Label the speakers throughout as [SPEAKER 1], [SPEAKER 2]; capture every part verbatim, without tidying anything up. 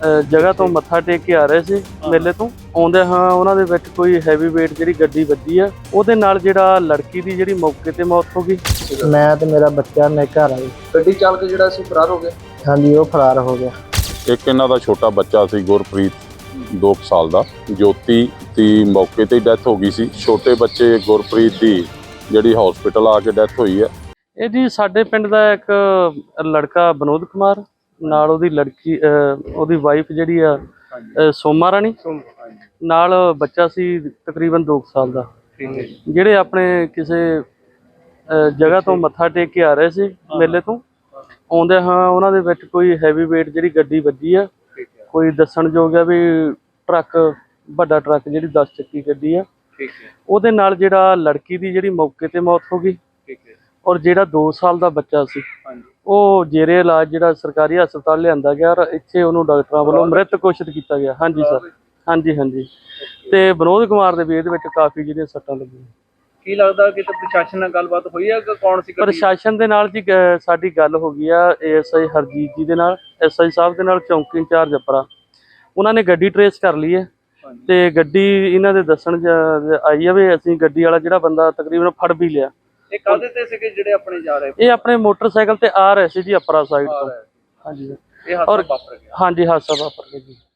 [SPEAKER 1] ਜਗ੍ਹਾ ਤੋਂ ਮੱਥਾ ਟੇਕ ਕੇ ਆ ਰਹੇ ਸੀ ਮੇਲੇ ਤੋਂ ਆਉਂਦੇ ਹਾਂ ਉਹਨਾਂ ਦੇ ਵਿੱਚ ਕੋਈ ਹੈਵੀ ਵੇਟ ਜਿਹੜੀ ਗੱਡੀ ਵੱਜੀ ਆ ਉਹਦੇ ਨਾਲ ਜਿਹੜਾ ਲੜਕੀ ਦੀ ਜਿਹੜੀ ਮੌਕੇ ਤੇ ਮੌਤ ਹੋ ਗਈ।
[SPEAKER 2] ਮੈਂ ਤੇ ਮੇਰਾ ਬੱਚਾ ਮੇਰੇ ਘਰ ਆਈ।
[SPEAKER 3] ਗੱਡੀ ਚਾਲਕ ਜਿਹੜਾ ਸੀ ਫਰਾਰ ਹੋ ਗਿਆ।
[SPEAKER 2] ਹਾਂਜੀ ਉਹ ਫਰਾਰ ਹੋ ਗਿਆ।
[SPEAKER 4] ਇੱਕ ਇਹਨਾਂ ਦਾ ਛੋਟਾ ਬੱਚਾ ਸੀ ਗੁਰਪ੍ਰੀਤ ਦੋ ਸਾਲ ਦਾ, ਜੋਤੀ ਦੀ ਮੌਕੇ ਤੇ ਡੈਥ ਹੋ ਗਈ ਸੀ। ਛੋਟੇ ਬੱਚੇ ਗੁਰਪ੍ਰੀਤ ਦੀ ਜਿਹੜੀ ਹਸਪੀਟਲ ਆ ਕੇ ਡੈਥ ਹੋਈ ਹੈ।
[SPEAKER 1] ਇਹ ਜੀ ਸਾਡੇ ਪਿੰਡ ਦਾ ਇੱਕ ਲੜਕਾ ਵਿਨੋਦ ਕੁਮਾਰ ਨਾਲ ਉਹਦੀ ਲੜਕੀ ਉਹਦੀ ਵਾਈਫ ਜਿਹੜੀ ਆ ਸੋਮਾ ਰਾਣੀ ਨਾਲ ਬੱਚਾ ਸੀ ਤਕਰੀਬਨ ਦੋ ਸਾਲ ਦਾ, ਜਿਹੜੇ ਆਪਣੇ ਕਿਸੇ ਜਗ੍ਹਾ ਤੋਂ ਮੱਥਾ ਟੇਕ ਕੇ ਆ ਰਹੇ ਸੀ ਮੇਲੇ ਤੋਂ ਆਉਂਦੇ ਹਾਂ ਉਹਨਾਂ ਦੇ ਵਿੱਚ ਕੋਈ ਹੈਵੀ ਵੇਟ ਜਿਹੜੀ ਗੱਡੀ ਵੱਜੀ ਆ। ਕੋਈ ਦੱਸਣਯੋਗ ਆ ਵੀ ਟਰੱਕ ਵੱਡਾ ਟਰੱਕ ਜਿਹੜੀ ਦਸ ਚੱਕੀ ਗੱਡੀ ਆ ਉਹਦੇ ਨਾਲ ਜਿਹੜਾ ਲੜਕੀ ਦੀ ਜਿਹੜੀ ਮੌਕੇ ਤੇ ਮੌਤ ਹੋ ਗਈ ਔਰ ਜਿਹੜਾ ਦੋ ਸਾਲ ਦਾ ਬੱਚਾ ਸੀ ਉਹ ਜੇਰੇ ਇਲਾਜ ਜਿਹੜਾ ਸਰਕਾਰੀ ਹਸਪਤਾਲ ਲਿਆਂਦਾ ਗਿਆ ਔਰ ਇੱਥੇ ਉਹਨੂੰ ਡਾਕਟਰਾਂ ਵੱਲੋਂ ਮ੍ਰਿਤ ਘੋਸ਼ਿਤ ਕੀਤਾ ਗਿਆ। ਹਾਂਜੀ ਸਰ, ਹਾਂਜੀ ਹਾਂਜੀ। ਤੇ ਵਿਨੋਦ ਕੁਮਾਰ ਦੇ ਵੀ ਇਹਦੇ ਵਿੱਚ ਕਾਫੀ ਜਿਹੜੀਆਂ ਸੱਟਾਂ ਲੱਗੀਆਂ।
[SPEAKER 3] ਕੀ ਲੱਗਦਾ ਕਿ ਪ੍ਰਸ਼ਾਸਨ ਨਾਲ ਗੱਲਬਾਤ ਹੋਈ ਹੈ ਕਿ ਕੌਣ ਸੀ?
[SPEAKER 1] ਪ੍ਰਸ਼ਾਸਨ ਦੇ ਨਾਲ ਜੀ ਸਾਡੀ ਗੱਲ ਹੋ ਗਈ ਆ ਏਐਸਆਈ ਹਰਜੀਤ ਜੀ ਦੇ ਨਾਲ, ਐਸਆਈ ਸਾਹਿਬ ਦੇ ਨਾਲ, ਚੌਂਕੀ ਇੰਚਾਰਜ ਅਪਰਾ। ਉਹਨਾਂ ਨੇ ਗੱਡੀ ਟਰੇਸ ਕਰ ਲਈ ਹੈ ਤੇ ਗੱਡੀ ਇਹਨਾਂ ਦੇ ਦੱਸਣ ਆਈ ਆ ਵੀ ਅਸੀਂ ਗੱਡੀ ਵਾਲਾ ਜਿਹੜਾ ਬੰਦਾ ਤਕਰੀਬਨ ਫੜ ਵੀ ਲਿਆ।
[SPEAKER 3] ਇਹ ਕਾਹਦੇ ਤੇ ਸੀਗੇ ਜਿਹੜੇ ਆਪਣੇ ਜਾ ਰਹੇ?
[SPEAKER 1] ਇਹ ਆਪਣੇ ਮੋਟਰਸਾਈਕਲ ਤੇ ਆ ਰਹੇ ਸੀ ਜੀ ਅਪਰਾ ਸਾਈਡ ਤੋਂ। ਹਾਂਜੀ
[SPEAKER 3] ਇਹ ਹਾਦਸਾ ਵਾਪਰ ਗਿਆ।
[SPEAKER 1] ਹਾਂਜੀ ਹਾਦਸਾ ਵਾਪਰ ਗਿਆ ਜੀ।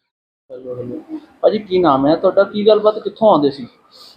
[SPEAKER 3] ਭਾਜੀ ਕੀ ਨਾਮ ਹੈ ਤੁਹਾਡਾ? ਕੀ ਗੱਲਬਾਤ, ਕਿੱਥੋਂ ਆਉਂਦੇ ਸੀ?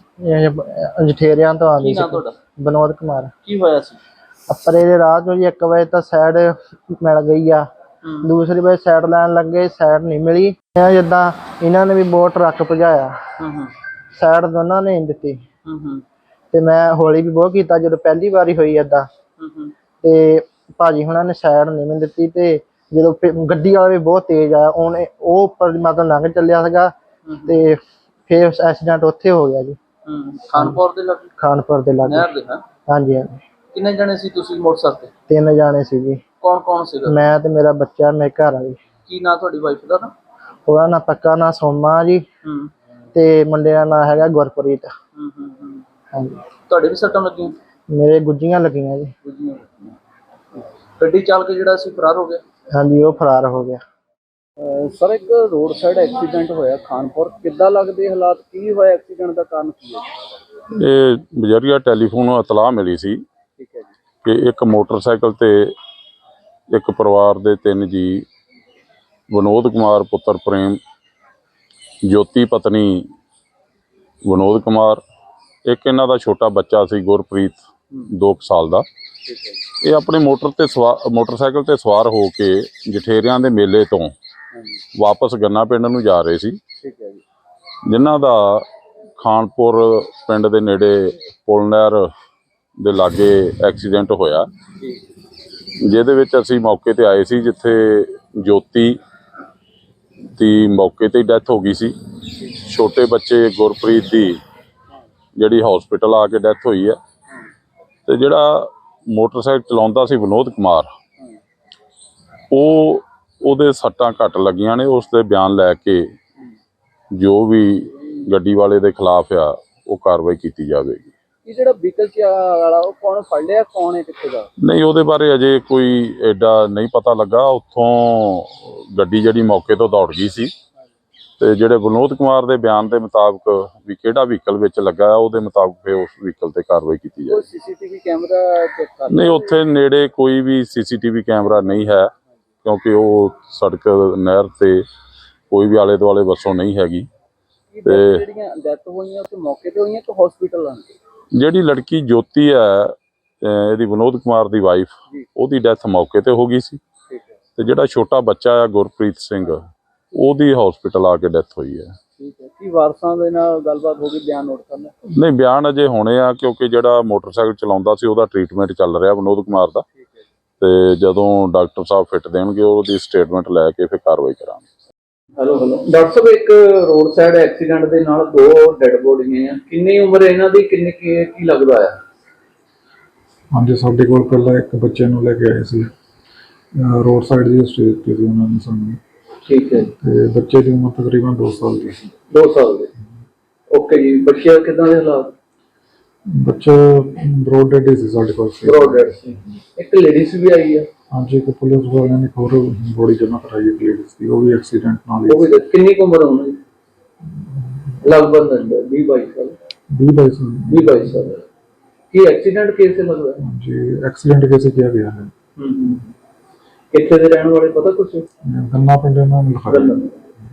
[SPEAKER 2] ਇਹ ਜਠੇਰਿਆਂ ਤੋਂ ਆਉਂਦੀ
[SPEAKER 3] ਕੀ
[SPEAKER 2] ਸੀ।
[SPEAKER 3] ਨਾਮ ਤੁਹਾਡਾ?
[SPEAKER 2] ਵਿਨੋਦ ਕੁਮਾਰ।
[SPEAKER 3] ਕੀ ਹੋਇਆ ਸੀ?
[SPEAKER 2] ਅਪਰੇ ਦੇ ਰਾਹ ਚੋਂ ਜੀ ਇੱਕ ਵਜੇ ਤਾਂ ਸਾਈਡ ਮਿਲ ਗਈ ਆ, ਦੂਸਰੀ ਵਜੇ ਸਾਈਡ ਲੈਣ ਲੱਗੇ, ਸਾਈਡ ਨਹੀਂ ਮਿਲੀ। ਜਿੱਦਾਂ ਇਹਨਾਂ ਨੇ ਵੀ ਬਹੁਤ ਟਰੱਕ ਭਜਾਇਆ, ਸਾਈਡ ਦੋਨਾਂ ਨੇ ਨਹੀਂ ਦਿੱਤੀ ਤੇ ਮੈਂ ਹੌਲੀ ਵੀ ਬਹੁਤ ਕੀਤਾ ਜਦੋਂ ਪਹਿਲੀ ਵਾਰੀ ਹੋਈ ਏਦਾਂ। ਤੇ ਭਾਜੀ ਹੁਣਾਂ ਨੇ ਸਾਈਡ ਨਹੀਂ ਮੈਨੂੰ ਦਿੱਤੀ ਤੇ ਜਦੋਂ ਗੱਡੀ ਵਾਲਾ ਵੀ ਬਹੁਤ ਤੇਜ਼ ਆਇਆ ਉਹਨੇ ਉਹ ਉੱਪਰ ਮਤਲਬ ਲੰਘ ਚੱਲਿਆ ਸੀਗਾ ਤੇ ਫਿਰ ਐਕਸੀਡੈਂਟ ਉੱਥੇ ਹੋ ਗਿਆ ਜੀ।
[SPEAKER 3] ਖਾਨਪੁਰ ਦੇ ਲਾਗੇ?
[SPEAKER 2] ਖਾਨਪੁਰ ਦੇ ਲਾਗੇ।
[SPEAKER 3] ਨਹਿਰ ਦੇ? ਹਾਂ
[SPEAKER 2] ਹਾਂਜੀ ਹਾਂਜੀ।
[SPEAKER 3] ਕਿੰਨੇ ਜਣੇ ਸੀ ਤੁਸੀਂ ਮੋਟਰਸਾਈਕਲ ਤੇ?
[SPEAKER 2] ਤਿੰਨ ਜਾਣੇ ਸੀ ਜੀ।
[SPEAKER 3] ਕੌਣ ਕੌਣ ਸੀਗਾ?
[SPEAKER 2] ਮੈਂ ਤੇ ਮੇਰਾ ਬੱਚਾ ਮੇਰੇ ਘਰ ਆਈ।
[SPEAKER 3] ਕੀ ਨਾਂ ਤੁਹਾਡੀ ਵਾਈਫ ਦਾ? ਨਾ
[SPEAKER 2] ਉਹਦਾ ਨਾਂ ਪੱਕਾ ਨਾਂ ਸੋਮਾ ਜੀ ਤੇ ਮੁੰਡੇ ਦਾ ਨਾਂ ਹੈਗਾ ਗੁਰਪ੍ਰੀਤ। ਹਾਂਜੀ।
[SPEAKER 3] ਤੁਹਾਡੇ ਵੀ ਸੱਟਾਂ ਲੱਗੀਆਂ?
[SPEAKER 2] ਮੇਰੇ ਗੁੱਜੀਆਂ ਲੱਗੀਆਂ ਜੀ।
[SPEAKER 3] ਗੁੱਜੀਆਂ ਲੱਗੀਆਂ। ਗੱਡੀ ਚਾਲਕ ਜਿਹੜਾ ਸੀ ਫਰਾਰ ਹੋ ਗਿਆ।
[SPEAKER 2] ਹਾਂਜੀ ਉਹ ਫਰਾਰ ਹੋ ਗਿਆ।
[SPEAKER 3] ਸਰ ਇੱਕ ਰੋਡ ਸਾਈਡ ਐਕਸੀਡੈਂਟ ਹੋਇਆ ਖਾਨਪੁਰ, ਕਿੱਦਾਂ ਲੱਗਦੇ ਹਾਲਾਤ? ਕੀ ਹੋਇਆ ਐਕਸੀਡੈਂਟ ਦਾ ਕਾਰਨ ਕੀ ਹੈ?
[SPEAKER 4] ਇਹ ਬਜਰੀਆ ਟੈਲੀਫੋਨ ਇਤਲਾਹ ਮਿਲੀ ਸੀ
[SPEAKER 3] ਠੀਕ ਹੈ ਜੀ
[SPEAKER 4] ਕਿ ਇੱਕ ਮੋਟਰਸਾਈਕਲ ਤੇ ਇੱਕ ਪਰਿਵਾਰ ਦੇ ਤਿੰਨ ਜੀ ਵਿਨੋਦ ਕੁਮਾਰ ਪੁੱਤਰ ਪ੍ਰੇਮ, ਜੋਤੀ ਪਤਨੀ ਵਿਨੋਦ ਕੁਮਾਰ, ਇੱਕ ਇਹਨਾਂ ਦਾ ਛੋਟਾ ਬੱਚਾ ਸੀ ਗੁਰਪ੍ਰੀਤ ਦੋ ਸਾਲ ਦਾ। ਇਹ ਆਪਣੇ ਮੋਟਰ ਤੇ ਸਵਾਰ ਮੋਟਰਸਾਈਕਲ ਤੇ ਸਵਾਰ ਹੋ ਕੇ ਜਠੇਰਿਆਂ ਦੇ ਮੇਲੇ ਤੋਂ ਵਾਪਸ ਗੰਨਾ ਪਿੰਡ ਨੂੰ ਜਾ ਰਹੇ ਸੀ, ਜਿਨ੍ਹਾਂ ਦਾ ਖਾਨਪੁਰ ਪਿੰਡ ਦੇ ਨੇੜੇ ਪੁਲ ਨਹਿਰ ਦੇ ਲਾਗੇ ਐਕਸੀਡੈਂਟ ਹੋਇਆ, ਜਿਹਦੇ ਵਿੱਚ ਅਸੀਂ ਮੌਕੇ ਤੇ ਆਏ ਸੀ, ਜਿੱਥੇ ਜੋਤੀ ਦੀ ਮੌਕੇ ਤੇ ਡੈਥ ਹੋ ਗਈ ਸੀ। ਛੋਟੇ ਬੱਚੇ ਗੁਰਪ੍ਰੀਤ ਦੀ ਜਿਹੜੀ ਹਸਪੀਟਲ ਆ ਕੇ ਡੈਥ ਹੋਈ ਹੈ ਤੇ ਜਿਹੜਾ ਮੋਟਰਸਾਈਕਲ ਚਲਾਉਂਦਾ ਸੀ ਵਿਨੋਦ ਕੁਮਾਰ, ਉਹ ਉਹਦੇ ਸੱਟਾਂ ਘੱਟ ਲੱਗੀਆਂ ਨੇ। ਉਸ ਦੇ ਬਿਆਨ ਲੈ ਕੇ ਜੋ ਵੀ ਗੱਡੀ ਵਾਲੇ ਦੇ ਖਿਲਾਫ ਆ ਉਹ ਕਾਰਵਾਈ ਕੀਤੀ ਜਾਵੇਗੀ।
[SPEAKER 3] ਇਹ ਜਿਹੜਾ ਵਹੀਕਲ ਵਾਲਾ ਉਹ ਕੌਣ ਫੜ ਲਿਆ, ਕੌਣ ਹੈ, ਕਿੱਥੇ ਦਾ?
[SPEAKER 4] ਨਹੀਂ, ਉਹਦੇ ਬਾਰੇ ਅਜੇ ਕੋਈ ਐਡਾ ਨਹੀਂ ਪਤਾ ਲੱਗਾ। ਉੱਥੋਂ ਗੱਡੀ ਜਿਹੜੀ ਮੌਕੇ ਤੋਂ ਦੌੜ ਗਈ ਸੀ ਤੇ ਜਿਹੜੇ ਵਿਨੋਦ ਕੁਮਾਰ ਦੇ ਬਿਆਨ ਦੇ ਮੁਤਾਬਕ ਵੀ ਕਿਹੜਾ ਵਹੀਕਲ ਵਿੱਚ ਲੱਗਾ, ਉਹਦੇ ਮੁਤਾਬਕ ਫਿਰ ਉਸ ਵਹੀਕਲ ਤੇ ਕਾਰਵਾਈ ਕੀਤੀ ਜਾਵੇ।
[SPEAKER 3] ਸੀਸੀਟੀਵੀ ਕੈਮਰਾ ਚੈੱਕ ਕਰ? ਨਹੀਂ,
[SPEAKER 4] ਉੱਥੇ ਨੇੜੇ ਕੋਈ ਵੀ ਸੀਸੀਟੀਵੀ ਕੈਮਰਾ ਨਹੀਂ ਹੈ, ਕਿਉਂਕਿ ਉਹ ਸੜਕ ਨਹਿਰ ਤੇ ਕੋਈ ਵੀ ਆਲੇ ਦੁਆਲੇ ਬੱਸੋਂ ਨਹੀਂ ਹੈਗੀ।
[SPEAKER 3] ਤੇ ਜਿਹੜੀਆਂ ਡੈਥ ਹੋਈਆਂ ਉੱਥੇ ਮੌਕੇ ਤੇ ਹੋਈਆਂ ਕਿ ਹਸਪੀਟਲ ਆਣ ਕੇ?
[SPEAKER 4] ਜਿਹੜੀ ਲੜਕੀ ਜੋਤੀ ਹੈ, ਇਹਦੀ ਵਿਨੋਦ ਕੁਮਾਰ ਦੀ ਵਾਈਫ, ਉਹਦੀ ਡੈਥ ਮੌਕੇ ਤੇ ਹੋ ਗਈ ਸੀ ਤੇ ਜਿਹੜਾ ਛੋਟਾ ਬੱਚਾ ਆ ਗੁਰਪ੍ਰੀਤ ਸਿੰਘ, ਉਹਦੀ ਹਸਪੀਟਲ ਆ ਕੇ ਡੈਥ ਹੋਈ ਹੈ।
[SPEAKER 3] ਠੀਕ ਹੈ। ਕੀ ਵਾਰਸਾਂ ਦੇ ਨਾਲ ਗੱਲਬਾਤ ਹੋ ਗਈ? ਬਿਆਨ ਨੋਟ ਕਰਨਾ?
[SPEAKER 4] ਨਹੀਂ, ਬਿਆਨ ਅਜੇ ਹੋਣੇ ਆ, ਕਿਉਂਕਿ ਜਿਹੜਾ ਮੋਟਰਸਾਈਕਲ ਚਲਾਉਂਦਾ ਸੀ ਉਹਦਾ ਟ੍ਰੀਟਮੈਂਟ ਚੱਲ ਰਿਹਾ ਵਿਨੋਦ ਕੁਮਾਰ ਦਾ, ਤੇ ਜਦੋਂ ਡਾਕਟਰ ਸਾਹਿਬ ਫਿੱਟ ਦੇਣਗੇ ਉਹਦੀ ਸਟੇਟਮੈਂਟ ਲੈ ਕੇ ਫਿਰ ਕਾਰਵਾਈ ਕਰਾਂਗੇ।
[SPEAKER 3] ਹੈਲੋ ਹੈਲੋ ਡਾਕਟਰ ਸਾਹਿਬ, ਇੱਕ ਰੋਡ ਸਾਈਡ ਐਕਸੀਡੈਂਟ ਦੇ ਨਾਲ ਦੋ ਡੈਡ ਬੋਡੀਆਂ ਆ, ਕਿੰਨੀ ਉਮਰ ਇਹਨਾਂ ਦੀ, ਕਿੰਨੇ ਕੀ ਕੀ ਲੱਗਦਾ ਆ?
[SPEAKER 5] ਹਾਂਜੀ, ਸਾਡੇ ਕੋਲ ਪਹਿਲਾਂ ਇੱਕ ਬੱਚੇ ਨੂੰ ਲੈ ਕੇ ਆਏ ਸੀ, ਰੋਡ ਸਾਈਡ ਦੀ ਸਟੇਜ ਤੇ ਸੀ ਉਹਨਾਂ ਨੇ ਸਾਨੂੰ।
[SPEAKER 3] ਠੀਕ ਹੈ।
[SPEAKER 5] ਤੇ ਬੱਚੇ ਦੀ ਉਮਰ ਤਕਰੀਬਨ ਦੋ ਸਾਲ ਦੀ ਸੀ।
[SPEAKER 3] ਦੋ ਸਾਲ ਦੇ। ਓਕੇ ਜੀ। ਬੱਚੇ ਕਿੱਦਾਂ ਦੇ ਹਾਲਾਤ?
[SPEAKER 5] ਬੱਚਾ ਬਰੋਡ ਡੈਡ ਸੀ ਸਾਡੇ ਕੋਲ ਸੀ।
[SPEAKER 3] ਬਰੋਡਰ ਸੀ, ਇੱਕ ਲੇਡੀਜ਼ ਵੀ ਆਈ ਆ।
[SPEAKER 5] ਹਾਂਜੀ, ਇੱਕ ਪੁਲਿਸ ਵਾਲਿਆਂ ਨੇ ਇੱਕ ਹੋਰ ਬੋਡੀ ਜਮ੍ਹਾਂ ਕਰਾਈ ਹੈ ਲੇਡੀਜ਼ ਦੀ, ਉਹ ਵੀ ਐਕਸੀਡੈਂਟ ਨਾਲ
[SPEAKER 3] ਉਹ
[SPEAKER 5] ਹੀ।
[SPEAKER 3] ਵੀ ਕਿੰਨੀ ਕੁ ਉਮਰ ਹੋਣੀ? ਲਗਭਗ ਵੀਹ ਬਾਈ ਸਾਲ।
[SPEAKER 5] ਵੀਹ ਬਾਈ ਸਾਲ।
[SPEAKER 3] ਵੀਹ ਬਾਈ ਸਾਲ। ਕੀ ਐਕਸੀਡੈਂਟ ਕੇਸ ਹੈ ਲੱਗਦਾ?
[SPEAKER 5] ਹਾਂਜੀ, ਐਕਸੀਡੈਂਟ ਕੇਸ ਕਿਹਾ ਗਿਆ ਹੈ।
[SPEAKER 3] ਹੂੰ ਹੂੰ। ਕਿੱਥੇ ਦੇ ਰਹਿਣ ਵਾਲੇ ਪਤਾ ਕੁਛ?
[SPEAKER 5] ਗੰਨਾ ਪਿੰਡ ਇਹਨਾਂ ਨੇ ਲਿਖਾਇਆ।
[SPEAKER 3] ਗੰਨਾ।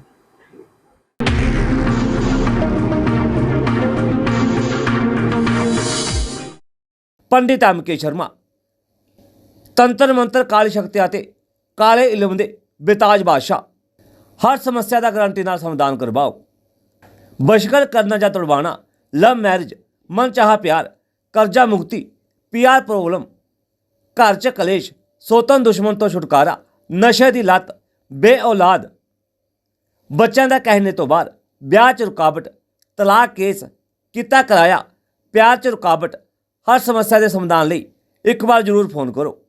[SPEAKER 6] ਪੰਡਿਤ ਐਮ ਕੇ ਸ਼ਰਮਾ ਤੰਤਰ ਮੰਤਰ ਕਾਲੀ ਸ਼ਕਤੀ ਅਤੇ ਕਾਲੇ ਇਲਮ ਦੇ ਬੇਤਾਜ ਬਾਦਸ਼ਾਹ। ਹਰ ਸਮੱਸਿਆ ਦਾ ਗਾਰੰਟੀ ਨਾਲ ਸਮਾਧਾਨ ਕਰਵਾਓ। ਬਸ਼ਕਰ ਕਰਨਾ ਜਾਂ ਤੁੜਵਾਣਾ, ਲਵ ਮੈਰਿਜ, ਮਨ ਚਾਹਾ ਪਿਆਰ, ਕਰਜ਼ਾ ਮੁਕਤੀ, ਪੀਆਰ ਪ੍ਰੋਬਲਮ, ਘਰ 'ਚ ਕਲੇਸ਼, ਸੋਤਨ ਦੁਸ਼ਮਣ ਤੋਂ ਛੁਟਕਾਰਾ, ਨਸ਼ੇ ਦੀ ਲੱਤ, ਬੇ ਔਲਾਦ, ਬੱਚਿਆਂ ਦਾ ਕਹਿਣੇ ਤੋਂ ਬਾਅਦ, ਵਿਆਹ 'ਚ ਰੁਕਾਵਟ, ਤਲਾਕ ਕੇਸ, ਕੀਤਾ ਕਰਾਇਆ, ਪਿਆਰ 'ਚ ਰੁਕਾਵਟ। ਹਰ ਸਮੱਸਿਆ ਦੇ ਸਮਾਧਾਨ ਲਈ ਇੱਕ ਵਾਰ ਜ਼ਰੂਰ ਫੋਨ ਕਰੋ।